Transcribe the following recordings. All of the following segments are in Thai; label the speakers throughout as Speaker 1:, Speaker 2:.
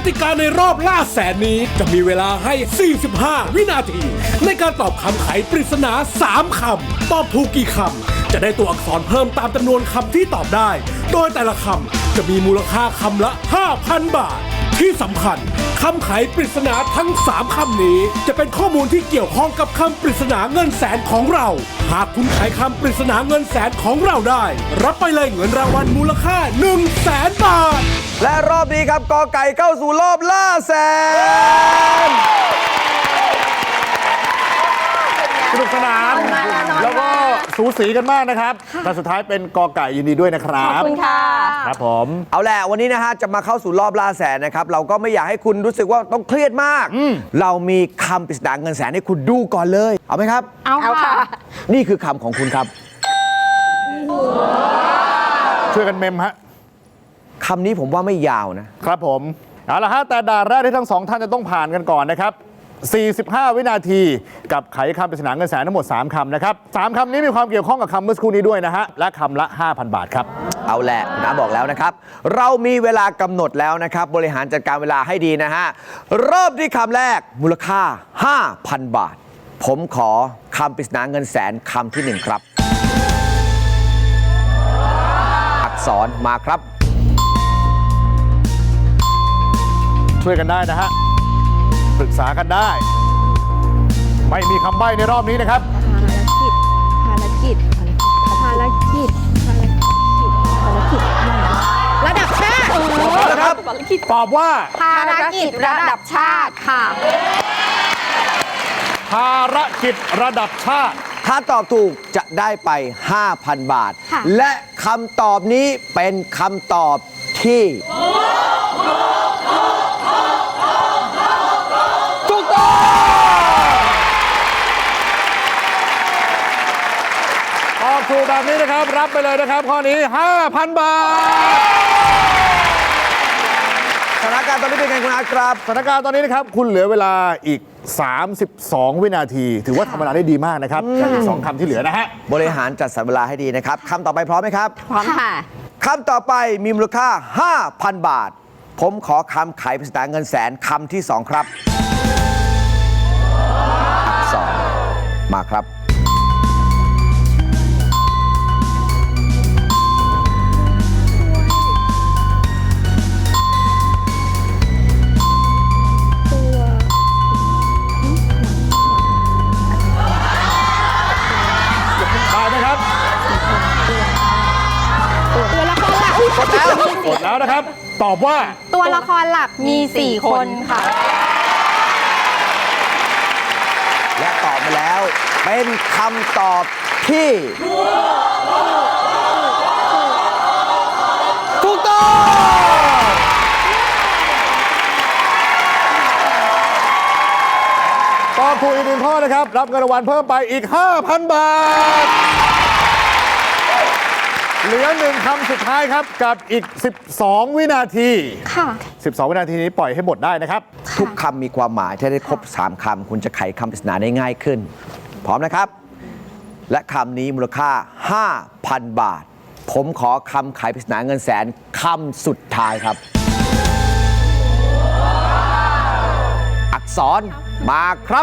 Speaker 1: ติกาในรอบล่าแสนนี้จะมีเวลาให้ 45 วินาที ในการตอบคำไขปริศนา 3 คำ ตอบถูกกี่คำ จะได้ตัวอักษรเพิ่มตามจำนวนคำที่ตอบได้ โดยแต่ละคำจะมีมูลค่าคำละ 5,000 บาท ที่สำคัญคำไขปริศนาทั้ง 3 คำนี้จะเป็นข้อมูลที่เกี่ยวข้องกับคำปริศนาเงินแสนของเรา หากคุณไขคำปริศนาเงินแสนของเราได้ รับไปเลยเงินรางวัลมูลค่า 100,000 บาท
Speaker 2: และรอบนี้ครับกอไก่เข้าสู่รอบล่าแสน
Speaker 3: สนุกสนานแล้วก็สูสีกันมากนะครับแต่สุดท้ายเป็นกอไก่ยินดีด้วยนะครับ
Speaker 4: ขอบคุณค่ะ
Speaker 3: ครับผม
Speaker 2: เอาแหละวันนี้นะฮะจะมาเข้าสู่รอบล่าแสนนะครับเราก็ไม่อยากให้คุณรู้สึกว่าต้องเครียดมาก เรามีคำปริศนาเงินแสนให้คุณดูก่อนเลย เอาไหมครับ
Speaker 4: เอาค่ะ
Speaker 2: นี่คือคำของคุณครับ
Speaker 3: ช่วยกันเมมฮะ
Speaker 2: คำนี้ผมว่าไม่ยาวนะ
Speaker 3: ครับผมเอาละฮะแต่ด่านแรกที่ทั้งสองท่านจะต้องผ่านกันก่อนนะครับ45 วินาทีกับไขคำปริศนาเงินแสนทั้งหมด3คำนะครับ3คำนี้มีความเกี่ยวข้องกับคำเมื่อสักครู่นี้ด้วยนะฮะและคำละ 5,000 บาทครับ
Speaker 2: เอาแหละคุณอาบอกแล้วนะครับ เรามีเวลากำหนดแล้วนะครับ บริหารจัดการเวลาให้ดีนะฮะเริ่มที่คำแรกมูลค่า 5,000 บาท ผมขอคำปริศนาเงินแสนคำที่ 1 ครับ อักษรมาครับ
Speaker 3: ช่วยกันได้นะฮะปรึกษากันได้ ไม่มีคำใบ้ในรอบนี้นะครับ
Speaker 4: ภารกิจระดับชาติ
Speaker 2: นะครับ
Speaker 3: ตอบว่า
Speaker 4: ภารกิจระดับชาติค่ะ
Speaker 3: ภารกิจระดับชาติ
Speaker 2: ถ้าตอบถูกจะได้ไป 5,000 บาท
Speaker 4: ค่ะ
Speaker 2: และคำตอบนี้เป็นคำตอบที่ถูกต้อง
Speaker 3: ตอบถูกแบบนี้นะครับ รับไปเลยนะครับ ข้อนี้ 5,000 บาท
Speaker 2: สถานการณ์ตอนนี้เป็นไงคุณอาครับ
Speaker 3: สถานการณ์ตอนนี้นะครับ คุณเหลือเวลาอีก 32 วินาที ถือว่าทำเวลาได้ดีมากนะครับจากอีก2คำที่เหลือนะฮะ
Speaker 2: บริหารจัดสรรเวลาให้ดีนะครับคำต่อไปพร้อมไหมครับ
Speaker 4: พร้อมค่ะ
Speaker 2: คำต่อไปมีมูลค่า 5,000 บาท ผมขอคำไขปริศนาเงินแสนคำที่ 2 ครับ อักษรมาครับ
Speaker 3: ได้ไหมครับ
Speaker 4: ตัวละครหลัก
Speaker 3: กดแล้วนะครับ ตอบว่า
Speaker 4: ตัวละครหลักมี 4 คนค่ะ
Speaker 2: และตอบมาแล้วเป็นคำตอบที่ถูกต้อง
Speaker 3: ตอบถูกอีก1ข้อนะครับ รับเงินรางวัลเพิ่มไปอีก 5,000 บาท เหลือ1คำสุดท้ายครับ กับอีก 12 วินาที
Speaker 4: ค่ะ
Speaker 3: 12 วินาทีนี้ปล่อยให้หมดได้นะครับ
Speaker 2: ทุกคำมีความหมาย ถ้าได้ครบ 3 คำ คุณจะไขคำปริศนาได้ง่ายขึ้น พร้อมนะครับ และคำนี้มูลค่า 5,000 บาท ผมขอคำไขปริศนาเงินแสนคำสุดท้ายครับ อักษรมาครับ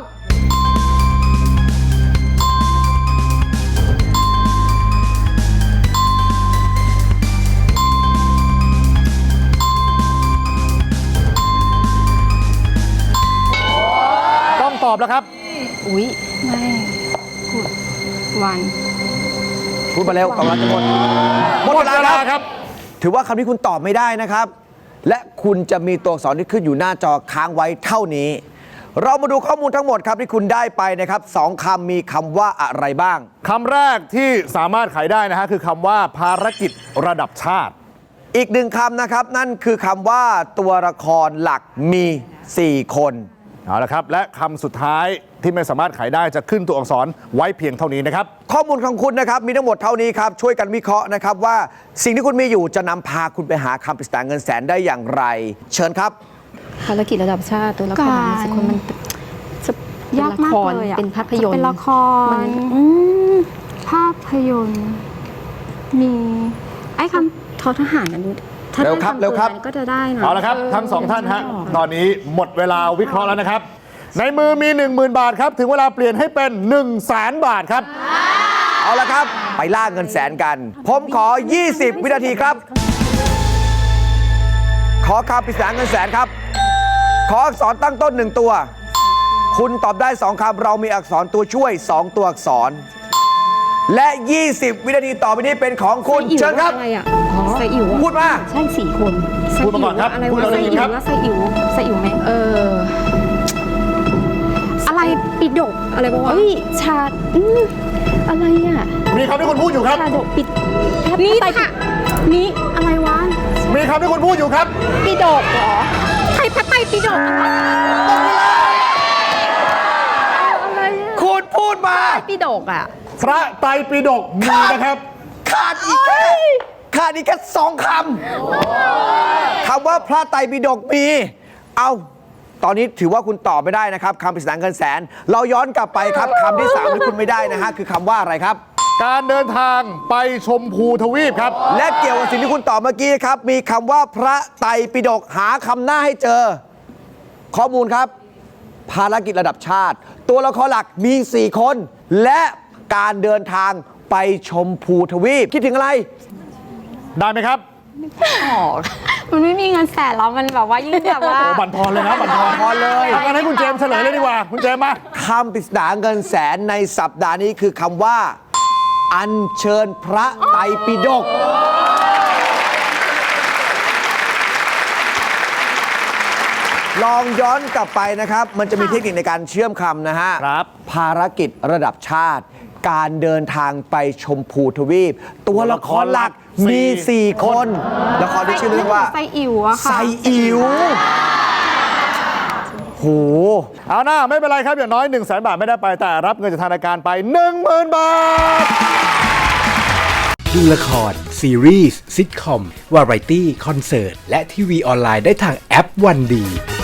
Speaker 3: ต้องตอบแล้วครับ
Speaker 4: อุ๊ย ไม่พูดวัน
Speaker 2: พูดมาเร็วกำลังจะหมด
Speaker 3: หมดเวลาครับ
Speaker 2: ถือว่าคำนี้คุณตอบไม่ได้นะครับ และคุณจะมีตัวอักษรที่ขึ้นอยู่หน้าจอค้างไว้เท่านี้ เรามาดูข้อมูลทั้งหมดครับที่คุณได้ไปนะครับ2 คำมีคำว่าอะไรบ้าง
Speaker 3: คำแรกที่สามารถไขได้นะฮะคือคำว่าภารกิจระดับชาติ
Speaker 2: อีก1 คำนะครับ นั่นคือคำว่าตัวละครหลักมี 4 คน
Speaker 3: เอาละครับ และคำสุดท้ายที่ไม่สามารถไขได้จะขึ้นตัวอักษรไว้เพียงเท่านี้นะครับ
Speaker 2: ข้อมูลของคุณนะครับมีทั้งหมดเท่านี้ครับช่วยกันวิเคราะห์นะครับว่าสิ่งที่คุณมีอยู่จะนำพาคุณไปหาคำปริศนาเงินแสนได้อย่างไร เชิญครับ
Speaker 5: ภารกิจระดับชาติตัวละคร
Speaker 4: การ
Speaker 5: มีสิคนมันจะ
Speaker 4: ยากมากเลยอะ
Speaker 5: เป็นภาพยนตร์
Speaker 4: เป็นละคร ภาพยนตร์ มี ไอ้คำ
Speaker 5: ทอทหารกันดูถ้า
Speaker 2: เร็วครับ
Speaker 5: ได้
Speaker 2: เร็วครับ
Speaker 5: ทำกินก็จะได้นะ
Speaker 3: เอาละครับ ทั้งสองท่านฮะ ตอนนี้หมดเวลาวิเคราะห์แล้วนะครับ ในมือมี 10,000 บาทครับ ถึงเวลาเปลี่ยนให้เป็น 100,000 บาทครับ
Speaker 2: เอาละครับ ไปล่าเงินแสนกัน ผมขอ 20 วินาทีครับ ขอคำปริศนาเงินแสนครับ ขออักษรตั้งต้น 1 ตัว คุณตอบได้ 2 คำ เรามีอักษรตัวช่วย 2 ตัวอักษร และ 20 วินาทีต่อไปนี้เป็นของคุณ
Speaker 5: ไส้อิ๋ว
Speaker 2: เชิญครับ
Speaker 5: อะไรอ่ะไส้อิ๋วอะ
Speaker 2: พูดมา
Speaker 5: ใช่4 คน
Speaker 3: พูดมาก่อนครับ
Speaker 5: อะไร
Speaker 3: พูด
Speaker 5: วะ
Speaker 3: เราได้
Speaker 5: ไส้
Speaker 3: ยิน
Speaker 5: อิ๋
Speaker 3: ครับ
Speaker 5: วแล้วไส้อิ๋วไหมอะไรปิดกอะไรวะชาอะไรอ่ะ
Speaker 3: มีคำที่คุณพูดอยู่ครับ
Speaker 5: ชาดกปิดนี่ค่ะนี่อะไรวะ
Speaker 3: มีคำที่คุณพูดอยู่ครับ
Speaker 5: ปิดกเหรอไทยพระไตรปิฎกอะไรอ่ะ
Speaker 2: คุณพูดมา
Speaker 5: ปิฎกอ่ะ
Speaker 3: พระไตรปิฎกมีนะครับ
Speaker 2: ขาดอีกแค่2 คำ คำว่าพระไตรปิฎกมี เอาตอนนี้ถือว่าคุณตอบไม่ได้นะครับคำปริศนาเงินแสน เราย้อนกลับไปครับคำที่ 3 ที่คุณไม่ได้นะฮะคือคำว่าอะไรครับ
Speaker 3: การเดินทางไปชมพูทวีปครับ
Speaker 2: และเกี่ยวกับสิ่งที่คุณตอบเมื่อกี้ครับ มีคำว่าพระไตรปิฎกหาคำหน้าให้เจอ ข้อมูลครับ ภารกิจระดับชาติ ตัวละครหลักมี 4 คน และการเดินทางไปชมพูทวีปคิดถึงอะไร
Speaker 3: ได้ไหมครับ
Speaker 5: มันไม่มีเงินแสนแล้วมันแบบว่ายิ่งแบบว่า
Speaker 3: โอ้บันทอนเลยนะบันทอน
Speaker 2: พอเลย
Speaker 3: เอางั้นให้คุณเจมส์เฉลยเลยดีกว่า คุณเจมส์มา
Speaker 2: คำปริศนาเงินแสนในสัปดาห์นี้คือคำว่า อัญเชิญพระไตรปิฎกลองย้อนกลับไปนะครับ มันจะมีเทคนิคในการเชื่อมคำนะฮะ
Speaker 3: ครับ
Speaker 2: ภารกิจระดับชาติ การเดินทางไปชมพูทวีป ตัวละครหลักมี 4 คน ละครที่ชื่อเรื่องว่า
Speaker 5: ไส้อิ๋วอะค่ะ
Speaker 2: ไซอิ๋วโห
Speaker 3: เอาหน้าไม่เป็นไรครับ อย่างน้อย 100,000 บาทไม่ได้ไป แต่รับเงินจากทางรายการไป 10,000 บาท
Speaker 1: ดูละคร ซีรีส์ซิทคอม วาไรตี้ คอนเสิร์ต และทีวีออนไลน์ได้ทางแอปวันดี